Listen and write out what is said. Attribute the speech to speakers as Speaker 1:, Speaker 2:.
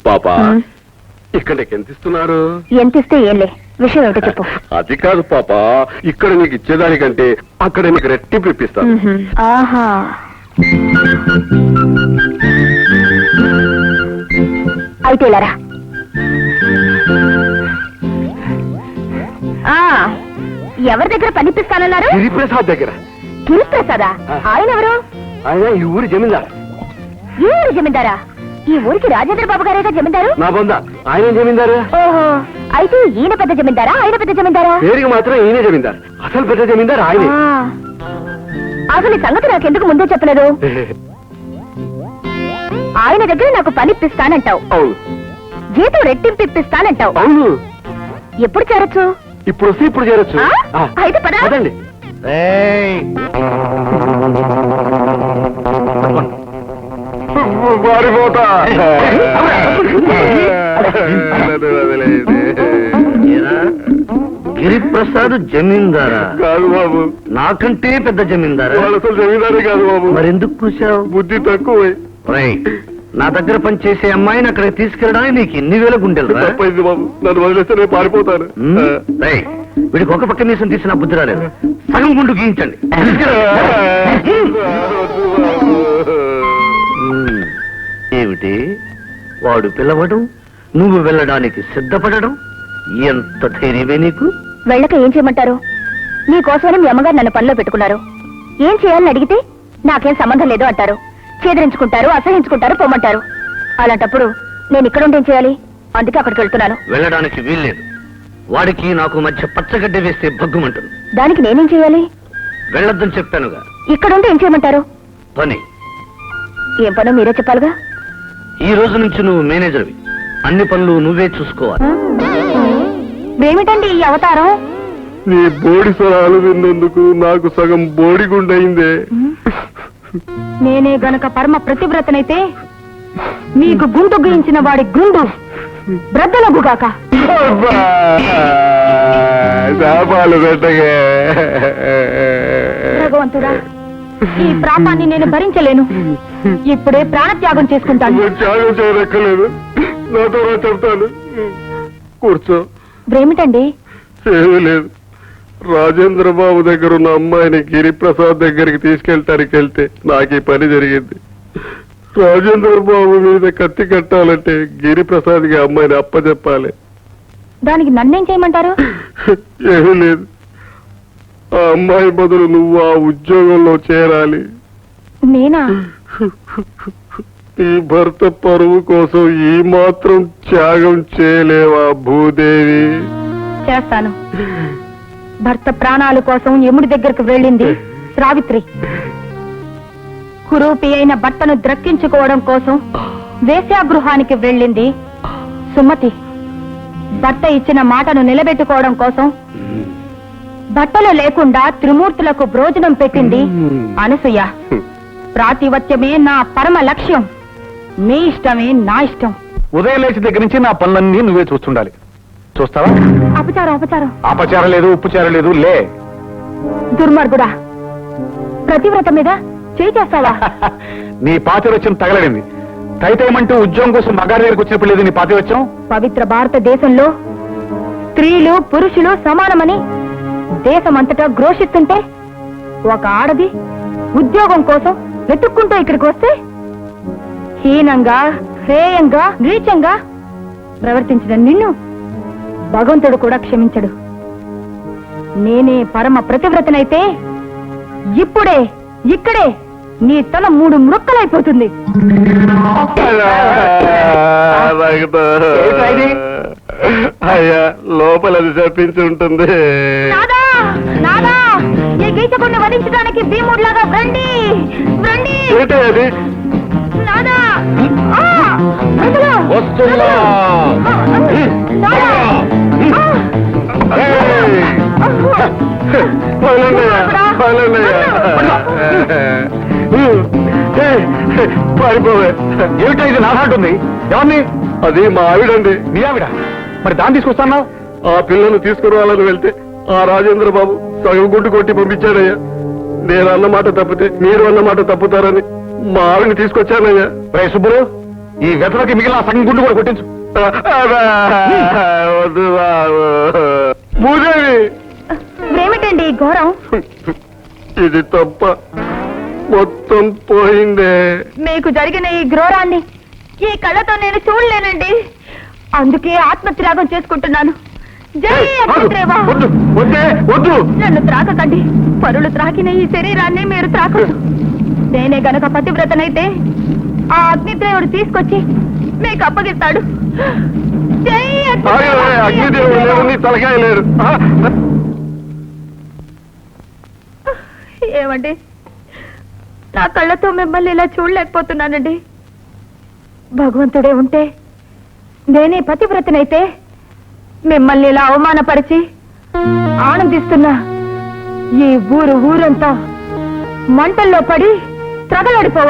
Speaker 1: పాపా ఇక్కడ నీకు ఎంత ఇస్తున్నారు?
Speaker 2: ఎంత ఇస్తే ఏంలే, విషయం ఏమిటో చెప్పు.
Speaker 1: అది కాదు పాపా, ఇక్కడ నీకు ఇచ్చేదానికంటే అక్కడ నీకు రెట్టింపు ఇప్పిస్తాను.
Speaker 2: ఆహా, అయితే ఇలారా. ఎవరి దగ్గర పనిపిస్తానన్నారు?
Speaker 1: గిరిప్రసాద్ దగ్గర.
Speaker 2: గిరిప్రసాదా? ఆయన ఎవరు?
Speaker 1: ఆయన ఈ ఊరి జమీందారు.
Speaker 2: ఈ ఊరి జమీందారా? ఈ ఊరికి రాజేంద్ర బాబు గారేగా జమీందారు.
Speaker 1: నా బొంద ఆయన జమీందారు.
Speaker 2: ఓహో, అయితే ఈయన పెద్ద జమీందారా, ఆయన పెద్ద జమీందారా?
Speaker 1: పేరుకి మాత్రం ఈయనే జమీందారు, అసలు పెద్ద జమీందారు ఆయనే.
Speaker 2: అసలు ఈ సంగతి నాకెందుకు ముందే చెప్పలేదు? ఆయన దగ్గర నాకు పనిప్పిస్తానంటావు,
Speaker 1: అవును.
Speaker 2: జీతం రెట్టింపు ఇప్పిస్తానంటావు,
Speaker 1: అవును.
Speaker 2: ఎప్పుడు చేరొచ్చు?
Speaker 1: ఇప్పుడు వస్తే ఇప్పుడు చేరొచ్చు.
Speaker 2: అయితే పదండి.
Speaker 3: గిరిప్రసాద్ జమీందారా?
Speaker 1: కాదు బాబు,
Speaker 3: నాకంటే పెద్ద జమీందారా?
Speaker 1: అసలు జమీందారే కాదు బాబు.
Speaker 3: మరెందుకు కూర్చావు?
Speaker 1: బుద్ధి తక్కువ.
Speaker 3: నా దగ్గర పనిచేసే అమ్మాయిని అక్కడికి తీసుకెళ్ళడానికి నీకు ఎన్ని వేల గుండెలు?
Speaker 1: తప్పైంది బాబు, నన్ను వదిలేస్తే నేను పారిపోతాను.
Speaker 3: వీడికి ఒక పక్క మీసం తీసిన బుద్ధి రాలేదు, సగం గుండు గీయించండి. ఏమిటి వాడు పిలవడం, నువ్వు వెళ్ళడానికి సిద్ధపడడం, ఎంత ధైర్యమే నీకు?
Speaker 2: వెళ్ళక ఏం చేయమంటారు? నీకోసమని మీ అమ్మగారు నన్ను పనిలో పెట్టుకున్నారు. ఏం చేయాలని అడిగితే నాకేం సంబంధం లేదు అంటారు, చేదరించుకుంటారు, అసహించుకుంటారు, పొమ్మంటారు. అలాంటప్పుడు నేను ఇక్కడ ఉండి ఏం చేయాలి? అందుకే అక్కడికి వెళ్తున్నాను.
Speaker 3: వెళ్ళడానికి వీల్లేదు, వాడికి నాకు మధ్య పచ్చగడ్డ వేస్తే భగ్గుమంటుంది.
Speaker 2: దానికి నేనేం చేయాలి?
Speaker 3: వెళ్ళొద్దని చెప్పానుగా.
Speaker 2: ఇక్కడుండి ఏం చేయమంటారు?
Speaker 3: పని.
Speaker 2: ఏం పనో మీరే చెప్పాలిగా.
Speaker 3: ఈ రోజు నుంచి నువ్వు మేనేజర్వి, అన్ని పనులు నువ్వే చూసుకోవాలి.
Speaker 2: ఏమిటండి ఈ అవతారం?
Speaker 1: నీ బోడి స్వరాలు విన్నందుకు నాకు సగం బోడి గుండయిందే.
Speaker 2: నేనే గనక పరమ ప్రతివ్రతనైతే మీకు గుండు గీయించిన వాడి గుండు బ్రద్దలగుగాక. భగవంతుడా, ఈ ప్రాపాన్ని నేను భరించలేను. ఇప్పుడే ప్రాణత్యాగం చేసుకుంటాను.
Speaker 1: త్యాగం చేయనక్కర్లేదు, నాతో చెప్తాను. కూర్చో.
Speaker 2: ఏమిటండి?
Speaker 1: ఏమీ లేదు, రాజేంద్ర బాబు దగ్గర ఉన్న అమ్మాయిని గిరిప్రసాద్ దగ్గరికి తీసుకెళ్ళటానికి వెళ్తే నాకు ఈ పని జరిగింది. రాజేంద్ర బాబు మీద కత్తి కట్టాలంటే గిరిప్రసాద్కి అమ్మాయిని అప్పచెప్పాలి.
Speaker 2: దానికి నన్నేం చేయమంటారు?
Speaker 1: ఏమీ లేదు, ఆ అమ్మాయి బదులు నువ్వు ఆ ఉద్యోగంలో చేరాలి.
Speaker 2: నేనా?
Speaker 1: ఈ భర్త పరువు కోసం ఈ మాత్రం త్యాగం చేయలేవా భూదేవి?
Speaker 2: చేస్తాను. భర్త ప్రాణాల కోసం యముడి దగ్గరకు వెళ్ళింది సావిత్రి. కురూపి అయిన భర్తను ద్రక్కించుకోవడం కోసం వేశ్యాగృహానికి వెళ్ళింది సుమతి. భర్త ఇచ్చిన మాటను నిలబెట్టుకోవడం కోసం బట్టలు లేకుండా త్రిమూర్తులకు భోజనం పెట్టింది అనసూయ. ప్రాతివత్యమే నా పరమ లక్ష్యం, మీ ఇష్టమే నా ఇష్టం.
Speaker 4: ఉదయం లేచి దగ్గర నుంచి నా పనులన్నీ నువ్వే చూస్తుండాలి. చూస్తావా?
Speaker 2: అపచారం అపచారం.
Speaker 4: అపచారం లేదు, ఉప్పుచారం లేదు. లే.
Speaker 2: దుర్మార్గుడా, ప్రతివ్రత మీద చేయి చేస్తావా?
Speaker 4: నీ పాతివత్యం తగలడింది. తైతేమంటూ ఉద్యోగం కోసం మగారి దగ్గరకు వచ్చినప్పుడు లేదు నీ పాతివత్యం.
Speaker 2: పవిత్ర భారతదేశంలో స్త్రీలు పురుషులు సమానమని దేశమంతటా ఘోషిస్తుంటే ఒక ఆడది ఉద్యోగం కోసం వెతుక్కుంటూ ఇక్కడికి వస్తే హీనంగా, హేయంగా, నీచంగా ప్రవర్తించిన నిన్ను భగవంతుడు కూడా క్షమించడు. నేనే పరమ ప్రతివ్రతనైతే ఇప్పుడే ఇక్కడే నీ తల 3 ముక్కలైపోతుంది.
Speaker 1: అయ్యా, లోపల అది చెప్పించి ఉంటుంది.
Speaker 2: నాదా నాదా, ఈ గీచకుడిని వధించడానికి భీముడిలాగా రండి రండి.
Speaker 1: ఏంటి అది?
Speaker 2: నాదా,
Speaker 4: వస్తున్నా.
Speaker 1: పారిపోవే.
Speaker 4: ఏమిటో ఇది నాదంటుంది? ఎవరిని?
Speaker 1: అది మా ఆవిడండి.
Speaker 4: నీ ఆవిడ? మరి దాన్ని తీసుకొస్తానా?
Speaker 1: ఆ పిల్లను తీసుకురావాలని వెళ్తే ఆ రాజేంద్ర బాబు సగం గుంటు కొట్టి పంపించాడయ్యా. నేను అన్నమాట తప్పితే మీరు అన్నమాట తప్పుతారని మా ఆవిడని తీసుకొచ్చానయ్యా.
Speaker 4: రే సుబ్బులు, ఈ వెతలకి మిగిలిన సగం గుండు కూడా కొట్టించు.
Speaker 1: వద్దు బాబు. భూదేవి,
Speaker 2: ఏమిటండి ఈ ఘోరం?
Speaker 1: ఇది తప్ప మొత్తం పోయిందే.
Speaker 2: మీకు జరిగిన ఈ ఘోరాన్ని ఈ కళ్ళతో నేను చూడలేనండి. అందుకే ఆత్మత్యాగం చేసుకుంటున్నాను. జై అగ్నిదేవా.
Speaker 1: వద్దు వద్దే వద్దు.
Speaker 2: నన్ను త్రాకకండి. పరులు త్రాకిన ఈ శరీరాన్ని మీరు త్రాకదు. నేనే గనక పతివ్రతనైతే ఆ అగ్నిదేవుడు తీసుకొచ్చి మీకు అప్పగిస్తాడు. జై
Speaker 1: అగ్నిదేవుడు లేరు, నీ తలకాయ లేరు.
Speaker 2: ఏమండి, నా కళ్ళతో మిమ్మల్ని ఇలా చూడలేకపోతున్నానండి. భగవంతుడే ఉంటే నేనే పతివ్రతనైతే మిమ్మల్ని ఇలా అవమానపరిచి ఆనందిస్తున్నా ఈ ఊరంతా మంటల్లో పడి త్రగలడిపోవాలి.